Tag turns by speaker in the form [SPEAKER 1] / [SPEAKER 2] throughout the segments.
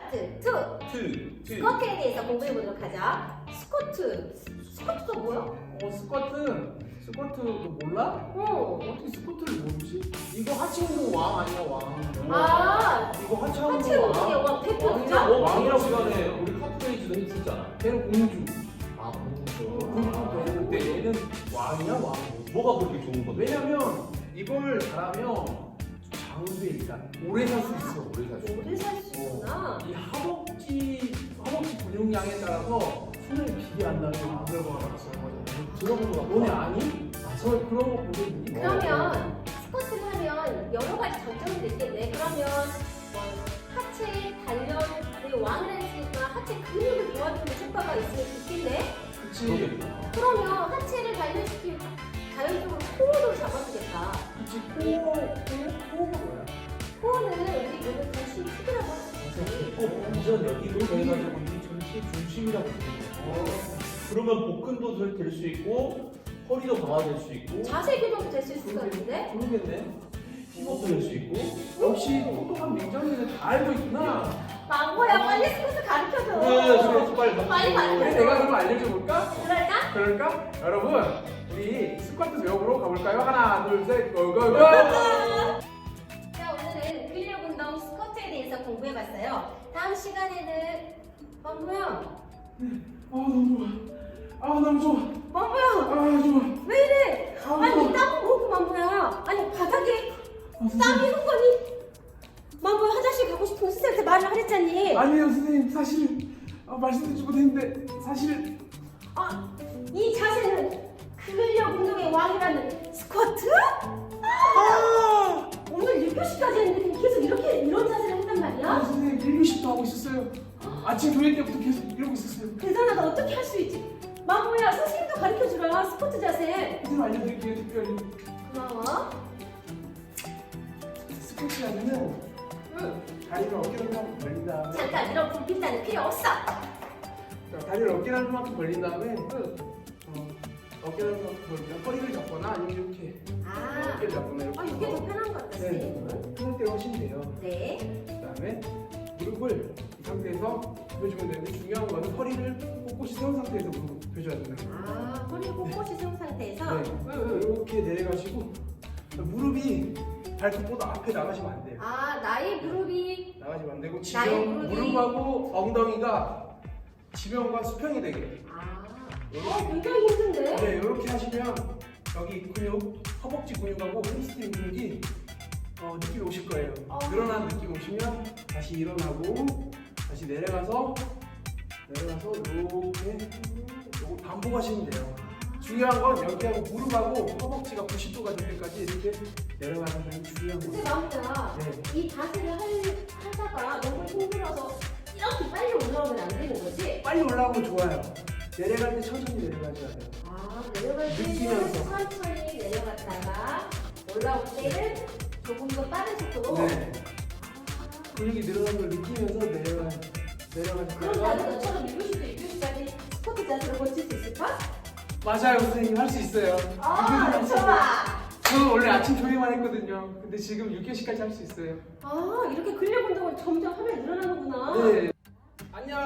[SPEAKER 1] 파트 2 스쿼트에 대해서 공부해 보도록 하죠. 스쿼트가 뭐야?
[SPEAKER 2] 스쿼트 너 몰라? 어떻게 스쿼트를 모르지? 이거 하체 운동 왕 아니야 왕?
[SPEAKER 1] 아,
[SPEAKER 2] 이거 하체
[SPEAKER 1] 하체
[SPEAKER 2] 운동
[SPEAKER 1] 운동의
[SPEAKER 2] 왕?
[SPEAKER 1] 왕 대표죠?
[SPEAKER 3] 왕이라고 시간에 우리 카프레이즈도 했었잖아.
[SPEAKER 2] 걔는 공주.
[SPEAKER 3] 아, 공주.
[SPEAKER 2] 근데 얘는 왕이야 왕.
[SPEAKER 3] 뭐가 그렇게 좋은 건데?
[SPEAKER 2] 왜냐면 이걸 잘하면 장수에 일단 오래 살 수 있어.
[SPEAKER 3] 오래 살 수 있어.
[SPEAKER 1] 오래 살 수 있구나.
[SPEAKER 2] 이 허벅지 근육량에 따라서 숨을 길게 한다는 결과가 나왔어요.
[SPEAKER 3] 들어본 거 같아.
[SPEAKER 2] 너네 아니? 저 그런 거 보고 있니?
[SPEAKER 1] 그러면 스쿼트를 하면 여러 가지 장점이 있겠네. 그러면 뭐 하체 단련의 왕을 했으니까 하체 근육을 도와주는 효과가 있겠네.
[SPEAKER 2] 그치.
[SPEAKER 3] 그러겠다.
[SPEAKER 1] 그러면 하체를 단련시키면 자연적으로 코어도 잡아주겠다.
[SPEAKER 2] 그치. 코어가 뭐야?
[SPEAKER 1] 코어는 우리 몸의 중심 축이라고 할 수 있지.
[SPEAKER 3] 완전 여기로 해가지고 이 전체 중심이라고 부르는 그러면 복근도 될 수 있고 허리도 강화될 수 있고
[SPEAKER 1] 자세 교정도 될 수 있을 것 같은데?
[SPEAKER 2] 모르겠네.
[SPEAKER 3] 이것도 될 수 있고
[SPEAKER 2] 역시 똑똑한 민정이는 다 알고 있구나.
[SPEAKER 1] 망고야 빨리 스쿼트 가르쳐줘.
[SPEAKER 3] 그래 스쿼트 빨리
[SPEAKER 1] 빨리 가르쳐줘.
[SPEAKER 2] 그래 내가 그럼 알려줘 볼까?
[SPEAKER 1] 그럴까?
[SPEAKER 2] 그럴까? 여러분 우리 스쿼트 배워보러 가볼까요? 하나 둘 셋 고고고.
[SPEAKER 1] 자, 오늘은 근력 운동 스쿼트에 대해서 공부해봤어요. 다음 시간에는 망고야.
[SPEAKER 2] 너무 좋아. 너무 좋아.
[SPEAKER 1] 망고야.
[SPEAKER 2] 좋아.
[SPEAKER 1] 왜 이래? 아니 땀은 뭐고 망고야? 아니 바닥에 땀이 흥건히. 망고야 화장실 가고 싶으면 선생님한테 말을 하랬잖니.
[SPEAKER 2] 아니에요 선생님 사실 말씀드리지 못했는데 사실
[SPEAKER 1] 이 자세는 근력 운동의 왕이라는 스쿼트? 오늘 6교시까지 했는데 계속 이런 자세를 했단 말이야?
[SPEAKER 2] 선생님 1교시도 하고 있었어요. 아침 조회 때부터 계속 이러고 있었어요.
[SPEAKER 1] 대단하다. 어떻게 할 수 있지? 망고야 선생님도 가르쳐주라 스쿼트 자세.
[SPEAKER 2] 선생님 알려드릴게요 특별히.
[SPEAKER 1] 고마워.
[SPEAKER 2] 스쿼트 하면은
[SPEAKER 1] 응.
[SPEAKER 2] 다리를 어깨만큼 벌린 다음에
[SPEAKER 1] 잠깐 이런 불빛단은 필요 없어.
[SPEAKER 2] 다리를 어깨만큼 벌린 다음에 어깨만큼 벌린 다음에 허리를 잡거나 아니면 이렇게
[SPEAKER 1] 아,
[SPEAKER 2] 어깨를 잡거나 이렇게
[SPEAKER 1] 이게 더 편한 것 같다 선생님은.
[SPEAKER 2] 그럴 때 훨씬 돼요.
[SPEAKER 1] 네.
[SPEAKER 2] 그 다음에 무릎을 이 상태에서 굽혀주면 되는데 중요한 거는 허리를 꼿꼿이 세운 상태에서 무릎을 굽혀줘야 된다.
[SPEAKER 1] 아, 허리 꼿꼿이 세운 상태에서.
[SPEAKER 2] 네, 이렇게 내려가시고 무릎이 발끝보다 앞에 나가시면 안 돼요.
[SPEAKER 1] 아, 나의 무릎이.
[SPEAKER 2] 나가시면 안 되고
[SPEAKER 1] 나의
[SPEAKER 2] 지면
[SPEAKER 1] 무릎이.
[SPEAKER 2] 무릎하고 엉덩이가 지면과 수평이 되게.
[SPEAKER 1] 아, 굉장히 힘든데?
[SPEAKER 2] 네, 이렇게 하시면 여기 근육, 허벅지 근육하고 햄스트링 근육이 느낌이 오실 거예요. 늘어난 느낌 오시면 다시 일어나고 다시 내려가서 이렇게 요거 반복하시면 돼요. 중요한 건 여기하고 무릎하고 허벅지가 90도가 될 때까지 이렇게 내려가는 게 중요한
[SPEAKER 1] 근데
[SPEAKER 2] 거예요.
[SPEAKER 1] 망고야,
[SPEAKER 2] 네.
[SPEAKER 1] 이 자세를 하다가 너무 힘들어서 이렇게 빨리 올라오면 안 되는 거지?
[SPEAKER 2] 빨리 올라오면 좋아요. 내려갈 때 천천히 내려가셔야 돼요.
[SPEAKER 1] 아, 내려갈 때는
[SPEAKER 2] 느끼면서.
[SPEAKER 1] 천천히 내려갔다가 올라올 때는 조금 더 빠른 속도로.
[SPEAKER 2] 네. 근육이 늘어나는 걸 느끼면서
[SPEAKER 1] 그럼
[SPEAKER 2] 내려가셨다가
[SPEAKER 1] 나도 너처럼 1교시도 6교시까지 스쿼트 자세를 고칠 수 있을까?
[SPEAKER 2] 맞아요 선생님 할 수 있어요.
[SPEAKER 1] 좋아.
[SPEAKER 2] 저는 원래 아침 조회만 했거든요. 근데 지금 6개시까지 할 수 있어요.
[SPEAKER 1] 아, 이렇게 근력 운동을 점점 하면 늘어나는구나.
[SPEAKER 2] 네. 안녕.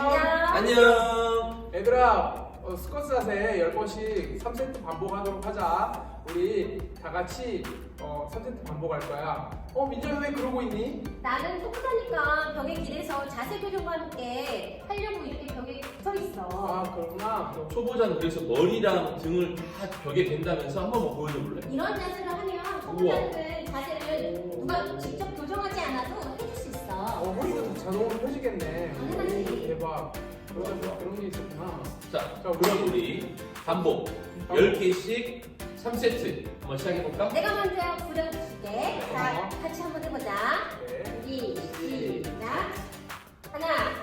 [SPEAKER 3] 안녕.
[SPEAKER 2] 얘들아 스쿼트 자세 10번씩 3세트 반복하도록 하자. 우리 다 같이 3세트 반복할 거야. 민정이 왜 그러고 있니?
[SPEAKER 1] 나는 똑똑하니까 벽에 길에서 자세 교정과 함께 하려고 이렇게 벽에 붙어 있어.
[SPEAKER 2] 그렇구나.
[SPEAKER 3] 초보자는 그래서 머리랑 등을 다 벽에 댄다면서 한 번만 보여줘 볼래?
[SPEAKER 1] 이런 자세를 하면 초보자들은 자세를 누가 직접 교정하지 않아도 해줄 수 있어.
[SPEAKER 2] 허리도 다 자동으로 펴지겠네.
[SPEAKER 1] 당연하지.
[SPEAKER 2] 대박. 그런 게 있었구나.
[SPEAKER 3] 자, 그럼 우리 반복 10개씩 3세트 한번 시작해볼까?
[SPEAKER 1] 내가 먼저 부려줄게. 자, 같이 한번 해보자.
[SPEAKER 2] 네.
[SPEAKER 1] 시작. 하나,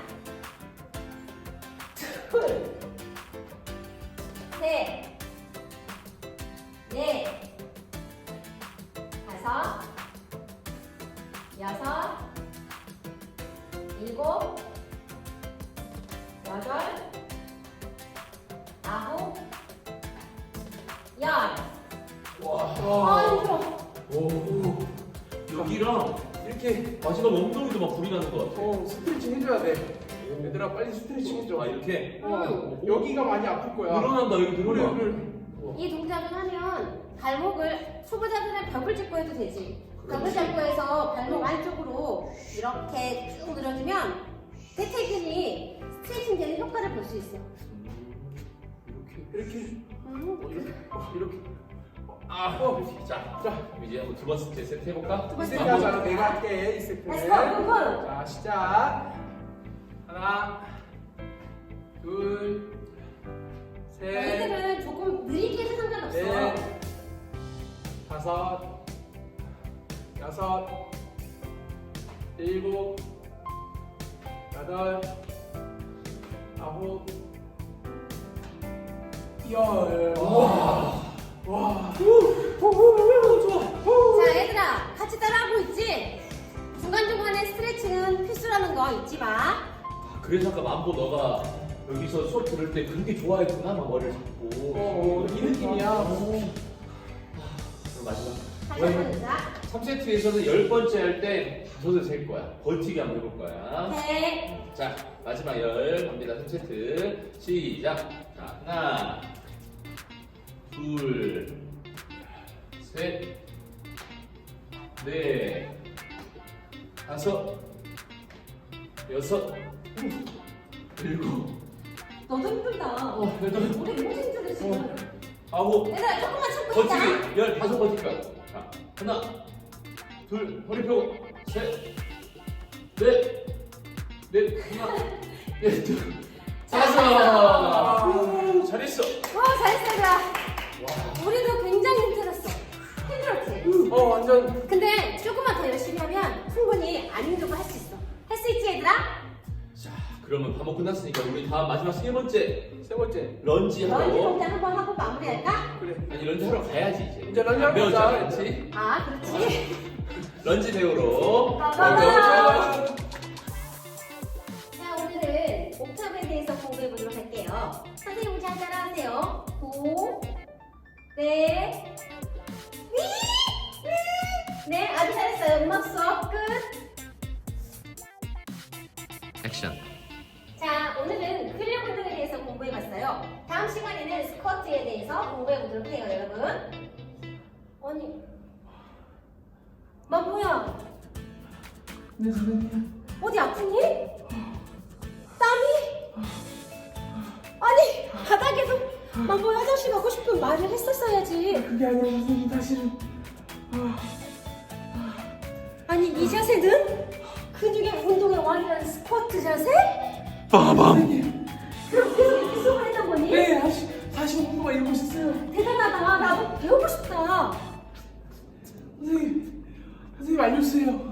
[SPEAKER 1] 둘, 셋, 넷, 다섯, 여섯, 일곱, 여덟, 아홉, 열.
[SPEAKER 3] 와.
[SPEAKER 1] 아, 힘들어.
[SPEAKER 3] 오. 여기랑
[SPEAKER 2] 이렇게
[SPEAKER 3] 마지막 엉덩이도 막 불이 나는 것 같아.
[SPEAKER 2] 스트레칭 해줘야 돼. 얘들아 빨리 스트레칭 해줘.
[SPEAKER 3] 아 이렇게?
[SPEAKER 2] 여기가 많이 아플 거야.
[SPEAKER 3] 늘어난다 여기 늘어나.
[SPEAKER 1] 이 동작을 하면 발목을 초보자들은 벽을 짚고 해도 되지. 벽을 잡고 해서 발목 안쪽으로 이렇게 쭉 늘어지면 대퇴근이 스트레칭 되는 효과를 볼 수 있어.
[SPEAKER 2] 이렇게.
[SPEAKER 3] 이렇게. 자, 이제 한번 두 번째 세트 해볼까?
[SPEAKER 1] 두
[SPEAKER 2] 이
[SPEAKER 1] 번째.
[SPEAKER 2] 세트 하자. 내가 할게 이 세트.
[SPEAKER 1] Let's go, move on.
[SPEAKER 2] 자 시작. 하나, 둘, 셋,
[SPEAKER 1] 너희들은 조금 느리게 해도 상관없어.
[SPEAKER 2] 넷, 다섯, 여섯, 일곱, 여덟, 아홉, 열. 와. 좋아.
[SPEAKER 1] 자, 얘들아, 같이 따라하고 있지? 중간중간에 스트레칭은 필수라는 거 잊지 마.
[SPEAKER 3] 그래서 아까 만보 너가 여기서 수업 들을 때 그게 좋아했구나 막 머리를 잡고.
[SPEAKER 2] 이 느낌이야.
[SPEAKER 3] 그럼 마지막.
[SPEAKER 1] 다시 한번 해보자.
[SPEAKER 3] 3세트에서는 10번째 할 때 5을 셀 거야. 버티기 한번 해볼 거야.
[SPEAKER 1] 오케이.
[SPEAKER 3] 자, 마지막 10 갑니다. 3세트. 시작. 자, 하나, 둘, 셋, 넷, 다섯, 여섯, 일곱,
[SPEAKER 1] 너도 힘들다.
[SPEAKER 3] 여덟,
[SPEAKER 1] 우리 너무 힘들어, 지금.
[SPEAKER 3] 아홉,
[SPEAKER 1] 얘들아, 조금만 참고 있자.
[SPEAKER 3] 버티기 15 버틸 거야. 자, 하나, 둘, 허리 펴고, 셋, 넷, 하나, 넷, 둘, 다섯. 잘했어.
[SPEAKER 1] 잘했어, 얘들아.
[SPEAKER 3] 와.
[SPEAKER 1] 우리도 굉장히 힘들었어. 힘들었지?
[SPEAKER 2] 완전.
[SPEAKER 1] 근데 조금만 더 열심히 하면 충분히 안 힘들고 할 수 있어. 할 수 있지, 얘들아?
[SPEAKER 3] 자, 그러면 반복 끝났으니까 우리 다음 마지막 세 번째
[SPEAKER 2] 세 번째.
[SPEAKER 3] 런지
[SPEAKER 1] 런지
[SPEAKER 3] 하러.
[SPEAKER 1] 동작 한번 하고 마무리할까?
[SPEAKER 2] 그래.
[SPEAKER 3] 아니 런지 하러 가야지 이제.
[SPEAKER 2] 이제 런지 하러
[SPEAKER 3] 배웠잖아,
[SPEAKER 2] 가자.
[SPEAKER 3] 그렇지?
[SPEAKER 1] 아, 그렇지.
[SPEAKER 3] 런지 배우러.
[SPEAKER 1] 가자. 자, 오늘은 옥탑에 대해서 공부해 보도록 할게요. 선생님 잘 따라하세요. 고, 네, 위, 네, 아주 잘했어요. 음악 수업 끝.
[SPEAKER 3] 액션.
[SPEAKER 1] 자, 오늘은 근력 운동에 대해서 공부해 봤어요. 다음 시간에는 스쿼트에 대해서 공부해 보도록 해요, 여러분. 아니, 뭐야?
[SPEAKER 2] 네 선생님.
[SPEAKER 1] 어디 아프니? 땀이? 아니, 바닥에서 뭐 화장실 가고 싶으면 말을 했었어야지.
[SPEAKER 2] 그게 아니라 선생님 사실은.
[SPEAKER 1] 아니, 이 자세는 근육의 운동의 왕이라는 스쿼트 자세?
[SPEAKER 2] 선생님.
[SPEAKER 1] 그럼 계속 이렇게 수업을 했던 거니?
[SPEAKER 2] 네, 45분 동안 읽으셨어요.
[SPEAKER 1] 대단하다. 나도 배우고 싶다.
[SPEAKER 2] 선생님 알려주세요.